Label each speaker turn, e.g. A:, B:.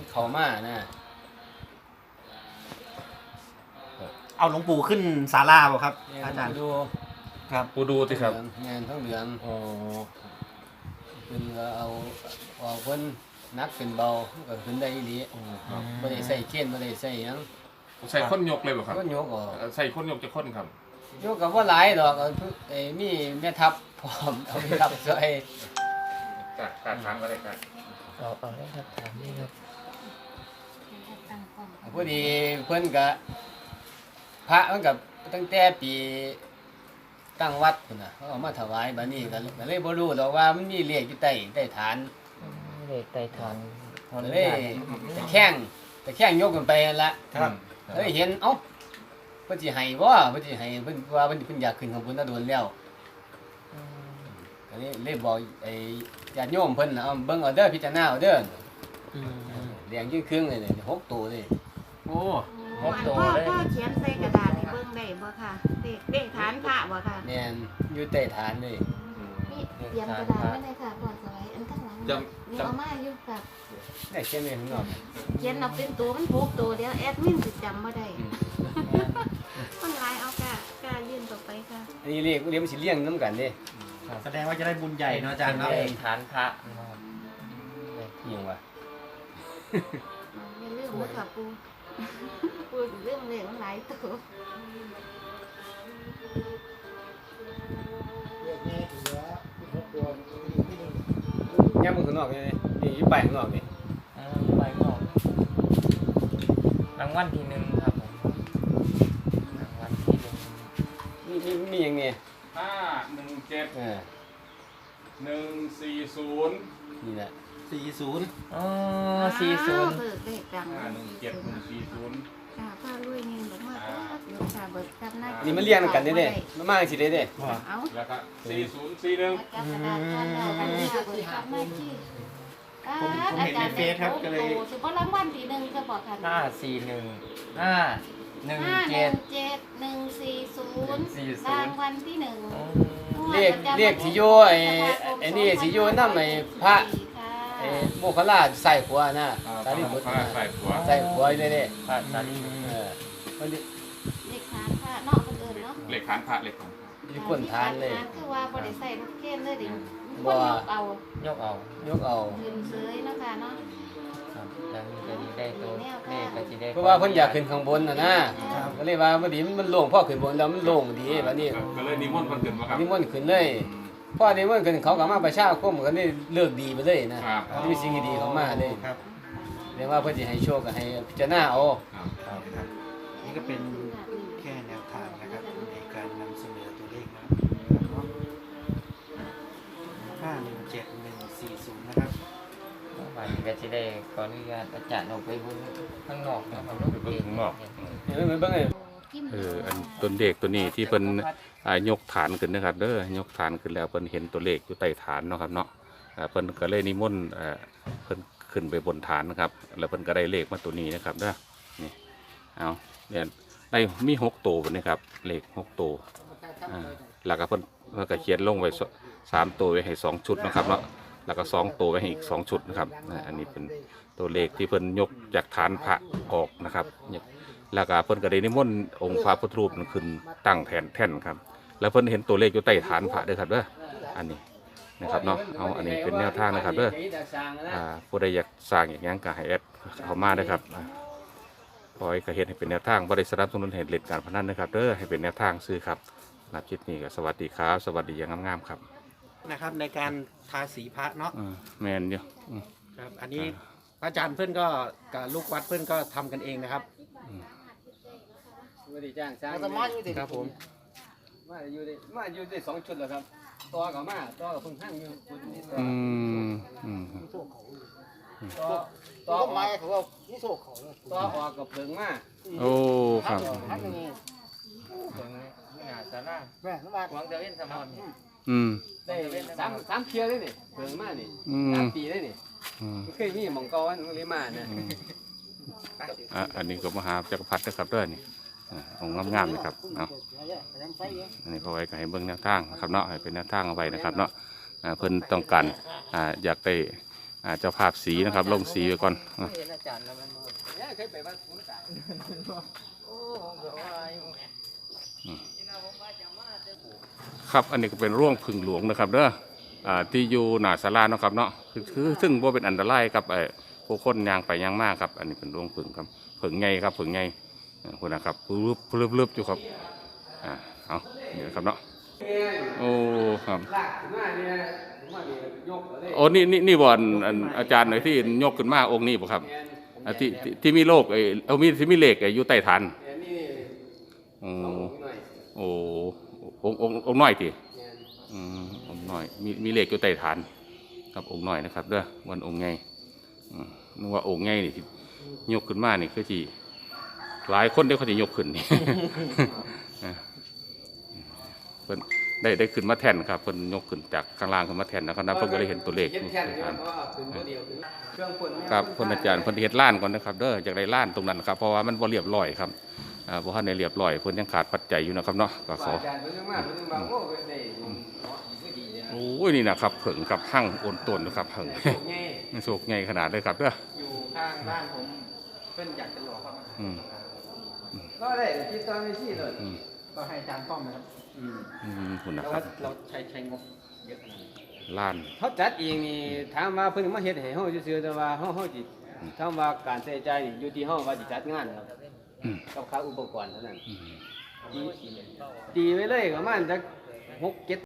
A: เข้ามานะ
B: เอาหลวงปู่ขึ้นศาลาบ่ครับอาจารย์
A: ดู
B: ครับ
C: ปูดูสิครับ
A: แม่นทั้งเหลือง
B: โอ้
A: เพิ่นก็เอาเพิ่นนักเป็นเบาก็ขึ้นได้อีหลีบ่ได้ใส่เกณฑ์บ่ได้ใส่หยัง
C: ใส่คนยกเลยบ่ครับ
A: ก็ยกออก
C: ใส่คนยกจะคนครับ
A: ยกก็บ่หลายดอกมีแม่ทัพพร้อมเอาแม่ทัพช่วย
C: การถามอะไรกัน
D: เอาได้ครับถามนี่ครับ
A: พอดีเพิ่นก็พระมันก็ตั้งแต่ปีตั้งวัดพุ่นน่ะเขาเอามาถวายบัดนี้ก็เลยบ่รู้ดอกว่ามันมีเลขอยู่ใต้ฐาน
D: เลขไต่ทาง
A: ก็เลยตะแข้งยกกันไปนั่นละ
B: ครับ
A: เลยเห็นเอ้าเพิ่นสิให้บ่เพิ่นสิให้เพิ่นว่าเพิ่นอยากขึ้นข้างบนน่ะโดนแล้วก็เลยบอกไอ้ญาติโยมเพิ่นน่ะเอาเบิ่งเอาเด้อพิจารณาเอาเด้อแดงยิ่งครึ่งเลยนี่6ตัวเลย
B: โอ้
D: หกตัว
E: พ่อ
D: เลย
E: พ่อเขียนใส่กระดาษให้เบิ่งได้บ่ค่ะเลขฐานพระบ่ค่ะ
A: แม่นอยู่ใต้ฐานเลย
E: นี่เตรียมกระดาษไว้เลยค่ะก่อนสไลด์อันข้างหลังนี่เอามาอยู่กับ
A: ได้เขียนไว้ข้างนอก
E: เขียนเอาเป็นตัวมันพกตัวเดียวแอดมินสิจำบ่ได้มันหลายเอากล้ายื่นต่อไปค่ะ
A: อันนี้เรียกมันสิเลี้ยงนํกันเด้
B: แสดงว่าจะได้บุญใหญ่เนาะอาจารย์เนาะ
D: เลขฐานพระนะครับ
A: อิหยังวะ
E: อย่าลืมนะค่ะปูปูสิลืมเลขมันหลายตัว
A: ย่ำมันข้างนอกนี่นี่อยู่ไปข้างนอกนี่
D: ใบงอกรางวัลที่หนึ่งครับผมรางวัลที่หนึ่ง
A: มีหยังนี่
C: 517
A: เออ
C: 140
A: นี่แหละ
B: 40
D: อ๋อ40
E: เบิกเลขดัง
C: 517 140
E: ค่ะป้ารวยเงินบอกว่าเดี๋ยวค่ะเบิกจำหน้า
A: นี่มันเลี้ยงนำกันเด้มันมาจังซี่เด้
E: เอา
C: แล้วก็4041
E: จับกระดาษก่อนแล้วกันเนี่ยเบิกจำหน้าที่
B: ผมเห็นในเฟซครับก็เลย
E: สุภาพรางวัลที่หนึ่งก็บอกค่ะ
D: 541
E: 517-140รางวัลที่หนึ่ง
A: เรียกสิโยไอ้นี่สิโยนำไอ้พระไอ้โมคคัลลาใส่หัวนะสารีบุตร
C: ใส่หัว
A: ใส่หัวอยู่เด้
D: พระสารี
A: เออมัน
E: เลขฐานค่ะเนาะคนอื่นเนาะ
C: เหล็กฐานพระเหล็กของ
A: อยู่ก้นฐานเลย
E: คือว่าบริใส่รถเข็นเลยดิ
A: บ่
E: คนยกเอา
D: ยกเอา
A: ยกเอา
E: ขึ้นเสยเนาะค่ะเนาะ
D: ครับแล้วนี่ก็สิได้ตัวเลขก็สิได้
A: เพราะว่าเพิ่นอยากขึ้นข้างบนน่ะนะก็เลยว่าพอดีมันโล่งพอขึ้นบนแล้วมันโล่งดีบัดนี้
C: ก็เลยนิมนต์คนขึ้นมาครับ
A: นิมนต์ขึ้นเลยพอนิมนต์ขึ้นเขาก็มาประชาคมก็ได้เลิกดีไปเลยนะครับ มีสิ่งดีๆเข้ามาเลย
B: ครับ
A: เรียกว่าเพื่อจะให้โชคก็ให้พิจารณาเอา
B: ครับนี่ก็เป็นแค่แนวทางนะครับในการนำเสนอตัวเลข517-140นะครับ
D: วันนี้ก็สิได้ขออนุญาตอาจารย์ออกไปเบิ่งข้างนอกนะครับ
C: ไปเบิ่งข้างนอก
A: เห็นไหมเบิ่งเลย
C: อันต้นเด็กตัวนี้ที่เพิ่นยกฐานขึ้นนะครับเด้อยกฐานขึ้นแล้วเพิ่นเห็นตัวเลขอยู่ใต้ฐานเนาะครับเนาะเพิ่นก็เลยนิมนต์เพิ่นขึ้นไปบนฐานนะครับแล้วเพิ่นก็ได้เลขมาตัวนี้นะครับเด้อนี่เอาเนี่ยได้มี6ตัวบัดนี้ครับเลข6ตัวแล้วก็เพิ่นก็เขียนลงไว้3ตัวไว้ให้2ชุดนะครับเนาะแล้วก็2ตัวไว้ให้อีก2ชุดนะครับอันนี้เป็นตัวเลขที่เพิ่นยกจากฐานพระออกนะครับแล้วก็เพิ่นก็ได้นิมนต์องค์พระพุทธรูปนั้นขึ้นตั้งแท่นครับแล้วเพิ่นเห็นตัวเลขอยู่ใต้ฐานพระเด้อครับเด้ออันนี้นะครับเนาะเอาอันนี้เป็นแนวทางนะครับเด้อผู้ใดอยากสร้างอย่างนี้ก็ให้แอดเข้ามาเด้อครับขอให้กระเฮ็ดให้เป็นแนวทางบ่ได้สนับสนุนให้เล่นการพนันนะครับเด้อให้เป็นแนวทางซื้อครับนับคลิปนี้ก็สวัสดีครับสวัสดีอย่างงามๆครับ
B: นะครับในการทาสีพระเนาะ
C: แม่นอยู่
B: ครับอันนี้พระอาจารย์เพื่อนก็กับลูกวัดเพื่อนก็ทำกันเองนะครับ
A: ไม่ได้จ้างสร้าง
B: ครับผม
A: มาอยู่ได้2ชุดแล้วครับตัวก็มาตัวก็เพิ่งหั่งอยู่
C: อืม
A: ตัวไม้เขาว่านี่โชคเขาตัวออกกับเพิ่งมา
C: โอ้ครับ
D: เบิ่งนี่หน้าศาลาหวังจะเว้นสมอนนี่
A: ได้3เที่ยวเลยนี่เพิ่งมานี่3ปีเลยนี่เคยมีหม่องเก่าอันเลยมานะ
C: อันนี้ก็มหาจักรพรรดินะครับเด้อนี่องค์งามๆนะครับเนาะอันนี้พอไว้ก็ให้เบิ่งแนวทางนะครับเนาะให้เป็นแนวทางเอาไว้นะครับเนาะเพิ่นต้องการอยากได้เจ้าภาพสีนะครับลงสีไว้ก่อน
D: เห็นอาจารย์แล้วมันบ่
A: เนี่ยเคยไปวัดขุนกลาง
D: โอ้ผมก็ว่าอยู่แหม
C: ครับอันนี้ก็เป็นร่วงผึ่งหลวงนะครับเด้อที่อยู่หน้าศาลาเนาะครับเนาะคือซึ่งบ่เป็นอันตรายกับผู้คนยางไปยางมากครับอันนี้เป็นร่วงผึ่งครับผึ่งไงครับผึ่งไงคนนะครับลึบอยู่ครับเอานี่นะครับเนาะโอ้ครับ
A: ลากขึ้นมาเนี่ยผมว่าเนี่ยยกเลย
C: โอ้นี่บ่อนอาจารย์หน่อยที่ยกขึ้นมาองค์นี้บ่ครับที่มีโลกที่มีเหล็กอยู่ใต้ฐาน
A: เนี่ยนี่
C: โอ้
A: ต้องหน่อย
C: โอ้องค์น้อยที
A: เนี่ย
C: องค์น้อยมีเหล็กอยู่ใต้ฐานครับองค์น้อยนะครับเด้อวันองค์ไงนึกว่าองค์ไงนี่ที่ยกขึ้นมานี่คือที่หลายคนได้เขาจะยกขึ้นนี่ เพิ่นได้ขึ้นมาแทนครับเพิ่นยกขึ้นจากข้างล่างขึ้นมาแทนนะครับเพิ่นก็เลยเห็นตัวเลข
A: เห็นแค่นี้เพราะว่าขึ้นตัวเดียวขึ้นเครื่องพ่นเนี่ย
C: ครับเพิ่นอาจารย์เพิ่นเฮ็ดล้านก่อนนะครับเด้อจากได้ล้านตรงนั้นครับเพราะว่ามันบ่เรียบร้อยครับบ่ทันได้เรียบร้อยเพิ่นยังขาดปัจจัยอยู่นะครับเนาะก็ขอ
A: อาจารย์เพิ่นยังมาเพิ่นยังมาโอ้ยได้เนาะดีดีเนี่ย
C: โอ้ยนี่นะครับเผิงกับหั่งโอนต้นนะครับเผิง
A: ง่าย
C: โชคใหญ่ขนาดเลยครับเด้อ
B: อยู่ข้างบ้านผมเพิ่นอยากจะหลอกครับ
C: อืม
A: ก็ได้คิดตอนนี้สิเลย
B: ก็ให้อาจารย์ป้อมนะครับ
C: คุณนะ
B: แต่
C: ครั
B: ว่า
C: บ
B: เราใช้งบเยอะขนาดนี้
C: ล้าน
A: เขาจัดเองนี่ถามว่าเพิ่นมาเฮ็ดให้เฮาซื่อๆแต่ว่าเฮาสิถามว่าการใช้จ่ายนี่อยู่ที่เฮาว่าสิจัดงานครับ
C: อืม
A: กับค่าอุปกรณ์เท่านั้น
C: อืม
A: ตีไว้เลยประมาณจัก6-7